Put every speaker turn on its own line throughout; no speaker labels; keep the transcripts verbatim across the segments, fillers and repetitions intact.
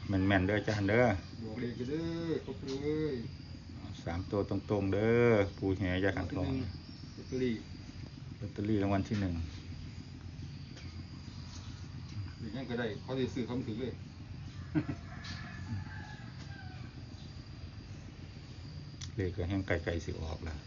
แม่นๆเด้ออาจารย์เด้อ
บอกเลยก็เด้อครบเลย
สามตัวตรงๆเด้อปูแห่ยาขันทอง
ลอตเตอรี่
ลอตเตอรี่รางวัลที่หนึ่ง
อย่างนั้นก็ได้เขาจะซื้อคำถือเลย
เลขก็แห้งไกลๆสิออกแล้ว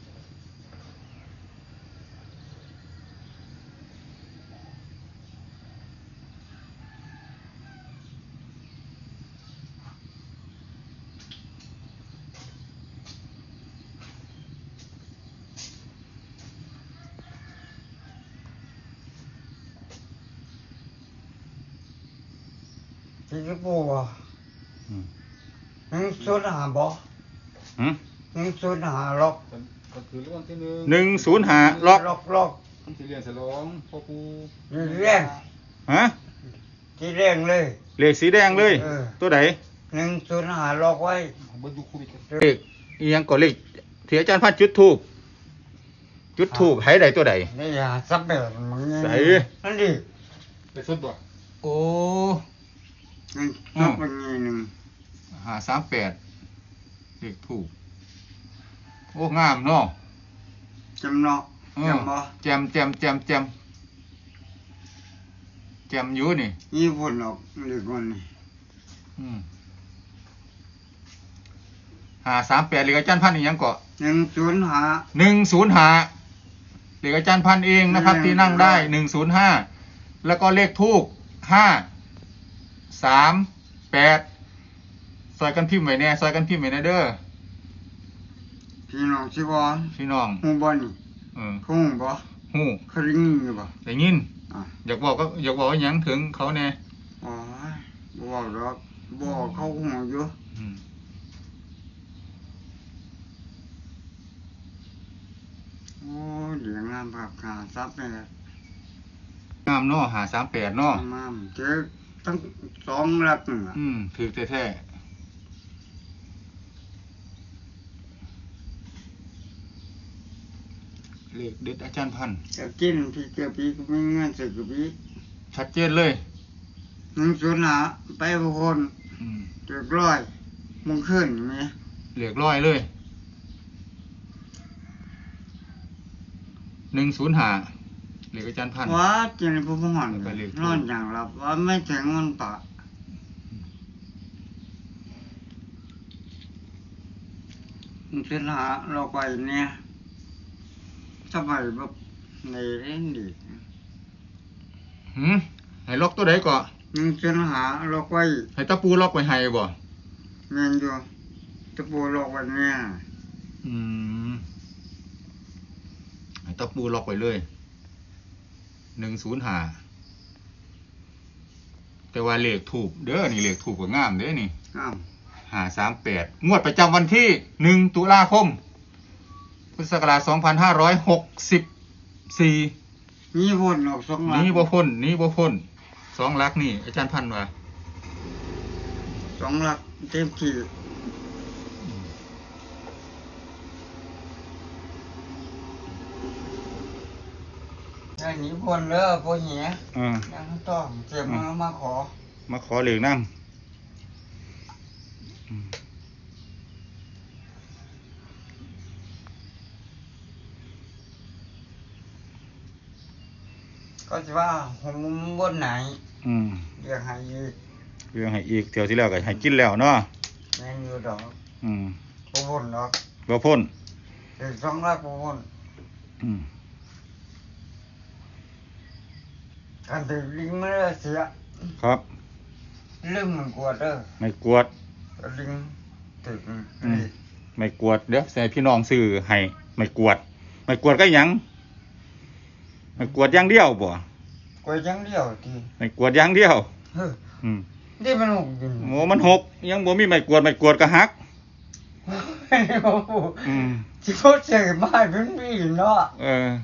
ที่จะปูอ่ะหนึ่งศูนย์หาบ่หนึ่งศูนย์หาล็อก
ก็คือรางวัลที่หนึ่ง
หนึ่งศูนย์ห้าล็อก
ล็อกล็อก
ที่เรียนฉลองพ่อปู
เรียง
ฮะ
ที่เรียงเลย
เลขสีแดงเลยตัวไหน
หนึ่งศูนย์หาล็อกไว้
เบิดดูโควิด
เลขอีหยังก็เลขที่อาจารย์พันจุดทูบจุดทูบให้ได้ตัวใด
นี่ยาซับแบบมึง
ใส่
นั่นดิ
ไปสดบ่
โอ้
นี่ซับเป็นไงหนึ่ง
หาสามแปดเลขถูกโอ้งามเนาะ
จำเนาะจำบ่
แจมแจมแจมแจมแจมอยู่นี่
ยี่ปุ่นออกเรียกว่านี่
หาสามแปดเลขอาจารย์พันอีกยังเกาะ
หนึ่งศูนย์หา
หนึ่งศูนย์หาเลขอาจารย์พันเองนะครับที่นั่งได้หนึ่งศูนย์ห้าแล้วก็เลขทูกห้าสามแปดซอยกันพิมพ์ไว้แน่ซอยกันพิมพ์ไว้แน่เด้อ
พี่น้องชิบอน
พี่น้อง
หูบ่นี่
เออ
หูบ่
หู
เคยได้ยินอยู่บ่
ได้ยินอยากบอกก็อยากบอกว่าหยังถึงเขาแน่
อ๋อบอกหรอกบอกเขาหูอยู่โอ้เดี๋ยวงามภาพขาซับเลย
งามเนาะหาสามแปดเนาะ
งามเจอตั้งสองหลักหนึ่ง
อืมถือแท้ๆเลขเด็ดอาจารย์พัน
จะกินพี่เจ้าพี่ก็ไม่เงินสึกพี่
ชัดเจนเลย
หนึ่งศูนย์หาไปบุคคลเจ็ดร้อยมึงขึ้นไหม
เหลือร้อยเลยหนึ่งศูนย์หาเหลืออาจารย์พัน
ว่าเจนผู้พหันนอนอย่างหลับว่าไม่ถึงเงินปะหนึ่งศูนย์หาเราไปเนี่ยสบายแบบในเล่นดี
หืมให้ล็อกตัวใดก่อน
หนึ่งศูนย์หาล็อกไว้
ให้ตะปูล็อกไว้ให้บ่
เงินอยู่ตะปูล็อกไว้เนี่ย
อืมให้ตะปูล็อกไว้เลยหนึ่งศูนย์หาแต่ว่าเลขถูกเด้อนี่เลขถูกกว่างามเด้อนี่หาสามแปดงวดประจำวันที่หนึ่งตุลาคมพุทธศักราชสองพันห้าร้อยหกสิบสี่
นี่พ้นออกสองลัก
นี่บ่พ้นนี่บ่พ้นสองลักนี่อาจารย์พันว่า
สองลักเต็มที่อันนี้พ้นเด้อพวกเหี้ยยังต้องเจ็บมามาขอ
มาขอเหลืองนั่ง
ก็จะว่าผมบนไหนเรียกให้อีก
เรียกให้อีกเที่ยวที่แล้วก็ให้กินแล้วเนาะ
แม่นอยู่ดอก
อืม
บ่พ้นดอก
บ่พ้น
เด็กสองลักบ่พ้น
อืม
การถือลิงไม่ได้เสีย
ครับ
เรื่องมันกวดเด้อ
ไม่กวด
ลิงถือ
ไม่กวดเดี๋ยวใส่พี่น้องซื้อให้ไม่กวดไม่กวดก็ยังไม่กวดอย่างเดียวบ่
กวดอย่างเดียวที
ไม่กวดอย่างเดียว
เฮ้อนี่มันหกอยู่
โอ้มันหกยังบ่มีไม่กวดไม่กวดก็หัก
อืมสิโพดเสียบ้านเพิ่นมีเนาะ
เออ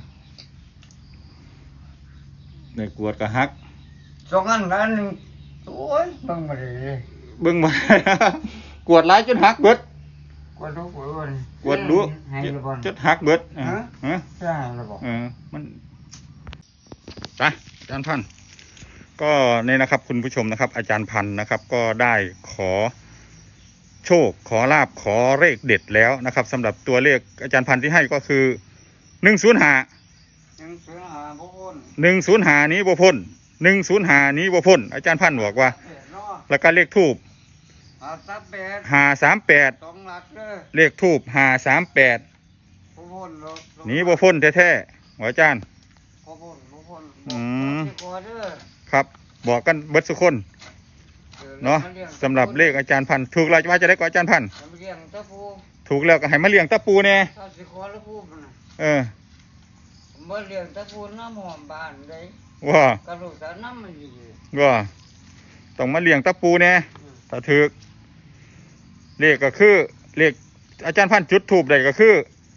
ไม่กวดก็หัก
สองอันอันนึงโอ้ยเบิ่งบ่ได้
เบิ่งบ่กวดหลายจนหักเบิด
กวดดูกวดบ่
กวดดูจนหักเบิด
ฮะฮะใช่แล้วบ่
เออมันไปอาจารย์พันก็นี่นะครับคุณผู้ชมนะครับ อาจารย์พันธ์นะครับก็ได้ขอโชคขอลาบขอเลขเด็ดแล้วนะครับสำหรับตัวเลขอาจารย์พันธ์ที่ให้ก็คือหนึ่งศูนย์ห้า
หนึ่งศูนย์ห้าบ่พ้น
หนึ่งศูนย์ห้านี้บ่พ้นหนึ่งศูนย์ห้านี้บ่พ้นอาจารย์พันธ์บอกว่า
เนาะ
แล้วก็เลขทูบ
หาซับแปด
ห้าสามแปด
สองหลักเด้อ
เลขทูบห้าสามแปด
บ่พ้นหรอก
นี้บ่พ้นแท้ๆหัวอาจารย์
บ่พ้นบ่พ้น
อืม
ขอเด้อ
ครับบอกกันเบิดสุกคน
ออ
เนาะ
มลี้ยง
สำหรับเลขอาจารย์พันธ์ถูกเราจะว่าจะได้กว่าอาจารย์พันธ์
มาเลี้ยงตะปู
ถูกแล้วก็ให้มาเลี้ยงตะปูแน่
ถ้าสิขอแล้วพูดมันน่ะ
เออ
ผมบ่เลี้ยงตะปูน้ำหอมบ้านได้
ว่า
กระดูกสารน้ำมันอยู่
ว่าต้องมาเลี้ยงตะปูแน่
อืม
ถ้าถูกเลขก็คือเลขอาจารย์พันธ์จุดถูกได้ก็คือ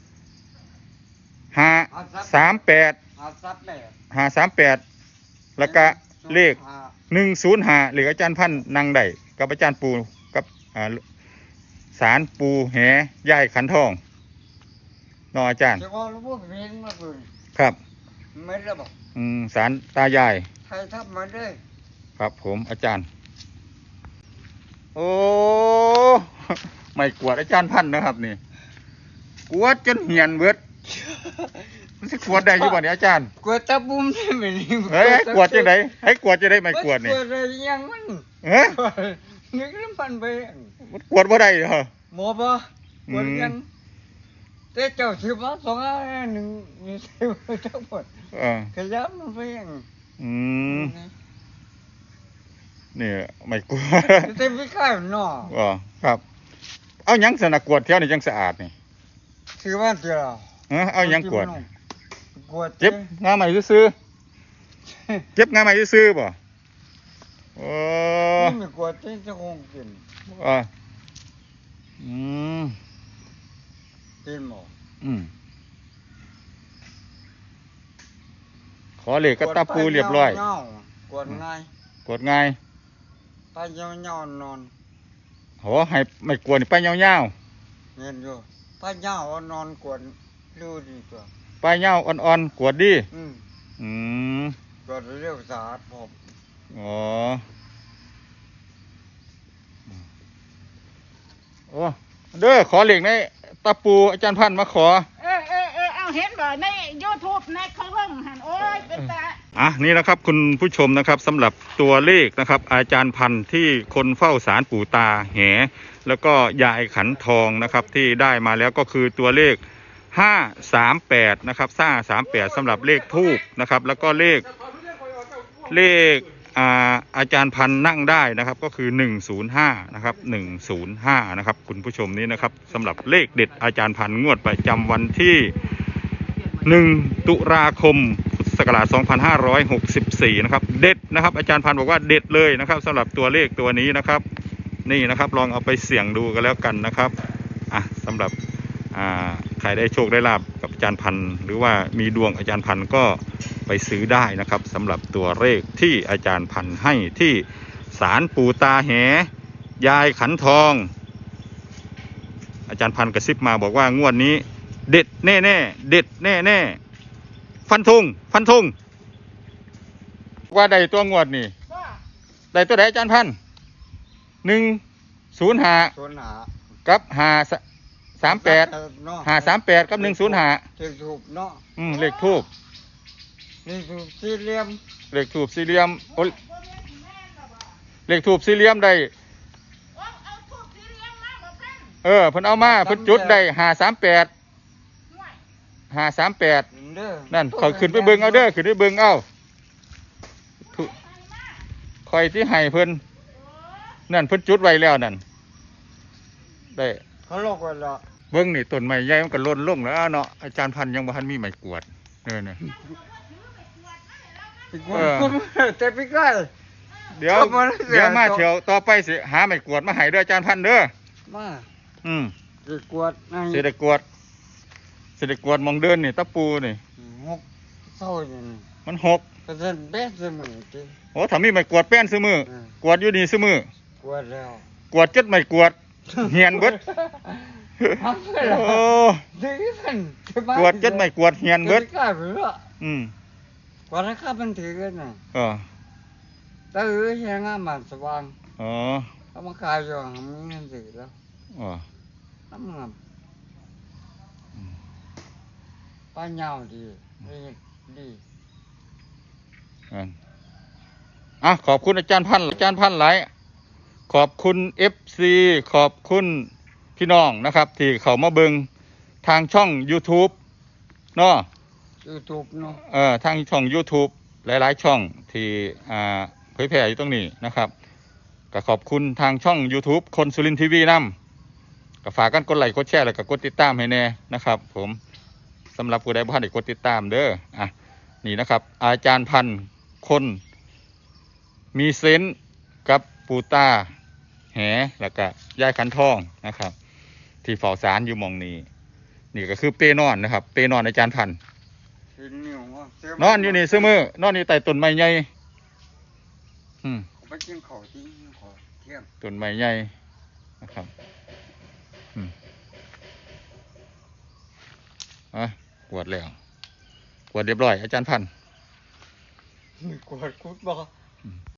ห้าสามแปด
หาซับแปด
ห้าสามแปดแล้วก็เลข
หา
หนึ่งศูนย์ห้าเลขอาจารย์พันธ์นั่งได้กับอาจารย์ปูกับอ่าสารปูแหย่ายขันทองเนออาจารย์
สิขอแล้วพูดเพลงมาเพิ่น
ครับ
ไม่ได้บอก
อืมสารตายาย
ใครทับมาเด้อ
ครับผมอาจารย์ โอ้ ไม่กวดอาจารย์พันธ์นะครับนี่กวดจนเหียนเบิดมันสิกวดได้อยู่บ่เนี่ยอาจารย์
กวดตะบุ้มได้ไหมนี่
เฮ้ยให้กวดจังไดให้กวดจะได้ไม่กวดนี่
กวดอะไรยังมัน
เฮ้ย
นึกน้ำพันไป
มันกวดบ่ได้เหรอ
หมอบ่กวด
อืม
ยังแต่เจ้าถือมาสองอันหนึ่งมีเสียทั้งหมด
เออ
ขยับมันไปยัง
อืมนี่ไม่กวด
แต่ไม่กล้าหนอ
อ๋อครับ เอาหยังสนะกวดแถวนี่จังสะอาดนี่
ถือว่าเจ้า
เออเอาหยังกวด
กวด
เจ็บงาใหม่ซื้อๆเจ็บงาใหม่ซื้อๆบ่โอ้
นี่ไม่กวดที่จะคงกิน
อ่าอืม
กินหมอ
อืมขอเหล็กกระตับปูเรียบร้อย
กวดง่าย
กดง่าย
ไปเงาเงานอน
โหให้ไม่กลัวนี่ไปยาว
เงินอยู่ไปเงานอนกวดดูดีกว่า
ๆไปยาวอ่อนๆกวดดี
อืม
อืม
กวดเรียกสะอาดผม
อ๋อโอ้เด้อขอเหล็กในตะปูอาจารย์พันธ์มาขอ
เออเออเออเอาเห็นบ่ใน YouTube ในเขาเบิ่งหันโอ้ยเป็นตา
อ่ะนี่นะครับคุณผู้ชมนะครับสำหรับตัวเลขนะครับ อาจารย์พันธ์ที่คนเฝ้าสารปู่ตาแหแล้วก็ยายขันทองนะครับที่ได้มาแล้วก็คือตัวเลขห้าสามแปดนะครับห้าสามแปดสำหรับเลขทูบนะครับแล้วก็เลขเลขอ่าอาจารย์พันธ์นั่งได้นะครับก็คือหนึ่งศูนย์ห้านะครับหนึ่งศูนย์ห้านะครับคุณผู้ชมนี้นะครับสำหรับเลขเด็ดอาจารย์พันธ์งวดประจำวันที่หนึ่งตุลาคมพุทธศักราชสองพันห้าร้อยหกสิบสี่นะครับเด็ดนะครับอาจารย์พันธ์บอกว่าเด็ดเลยนะครับสำหรับตัวเลขตัวนี้นะครับนี่นะครับลองเอาไปเสี่ยงดูกันแล้วกันนะครับอ่ะสำหรับอ่าใครได้โชคได้ลาบกับอาจารย์พันธ์หรือว่ามีดวงอาจารย์พันธ์ก็ไปซื้อได้นะครับสำหรับตัวเลขที่อาจารย์พันธ์ให้ที่ศาลปู่ตาแหยายขันทอง อาจารย์พันธ์กระซิบมาบอกว่างวดนี้ เด็ดแน่แน่เด็ดแน่แน่ฟันธงฟันธงว่าใดตัวงวดนี่
ก็
ใดตัวใดอาจารย์พันธ์หนึ่งศูนย์หา
ส่วนหา
กับหาสามแปด
เนาะ
หาสามแปดกับหนึ่งศูนย์หา
เลขถูกเนาะ
อืมเลขทูบ
นี่ถูกสี่เหลี่ยม
เลขทูบสี่เหลี่ยมโอ้เลขทูบสี่เหลี่ยมได้
เอาเอาทูบสีเหลืองมาบ่เพิ่น
เออเพิ่นเอามาเพิ่นจุดได้หาสามแปด
ห่วย
หาสามแปด
เด้อ
นั่นคอยขึ้นไปเบิ่งเอาเด้อขึ้นไปเบิ่งเอาทุคอยที่ให้เพิ่นนั่นเพิ่นจุดไว้แล้วนั่นได้
เขาลอกไว้แล้ว
เบิ่งนี่ต้นไม้ใหญ่มันก็ล้นลงแล้วเนาะอาจารย์พันธ์ยังบ่ทันมีไม้กวาดเออเนี่ย
อีกคนแต่พี่ใกล้
เดี๋ยว
ชอบมาแล้ว
เดี๋ยวมา
ชอบ
เที่ยวต่อไปสิหาไม้กวาดมาให้เด้ออาจารย์พันธ์เด้อ
มา
อืม
สิกวดให้
สิได้กวาดสิได้กวาดหมองเดินนี่ตะปูนี่
หกเศร้าอย่างนี้
มันหก
ก็จะแบกเสมอจริง
โอ้ถ้ามีไม้กวาดแป้นซื้อมือ
อืม
กวาดอยู่นี่ซื้อมือก
วดแล้ว
กวาดจัดไม้กวาดเหียนเบิด
ทำไปแล้ว
โอ้
ดีกัน
กวาดจัดไม้กวาดเหียนเบิด
กล้าไปแล้ว
อืม
กวาดราคามันถือกันน่ะ
เออ
ตื้อแห้งอ่ะมันสว่าง
อ๋อ
เขามาขายอยู่หางเงินสิแล้ว
อ๋อ
น้ำมันป้าเหงาดีดีดี
อันอ่ะขอบคุณอาจารย์พันธุ์อาจารย์พันธุ์หลายขอบคุณ เอฟ ซี ขอบคุณพี่น้องนะครับ ที่เขามาเบิงทางช่อง YouTube เนาะ
ยูทูบเนาะ
เอ่อทางช่อง YouTube หลายๆ ช่องที่อ่าเผยแพร่อยู่ตรงนี้นะครับก็ขอบคุณทางช่อง YouTube คนสุรินทร์ทีวีนำก็ฝากกันกดไลค์กดแชร์แล้วก็กดติดตามให้แน่นะครับ ผมสำหรับผู้ใดบ่ทันได้กดติดตามเด้ออ่ะนี่นะครับ อาจารย์พันธุ์คนมีเซนส์กับปูตาแหแล้วก็ยายขันทองนะครับ ที่เฝ้าสารอยู่หมองนี้ นี่ก็คือเป้นอนนะครับ เป้นอนอาจารย์พันธุ์
สินนิ้วว่าเสื้
นอนอยู่นี่ซื้อมือนอนอยู่ใต้ต้นไม้ใหญ่อืม
ไปกินข้าวที่ขอเที่ยง
ต้นไม้ใหญ่นะครับอืมอ่ะกวดแล้วกวดเรียบร้อยอาจารย์พันธุ์
มีกวดคุดบ่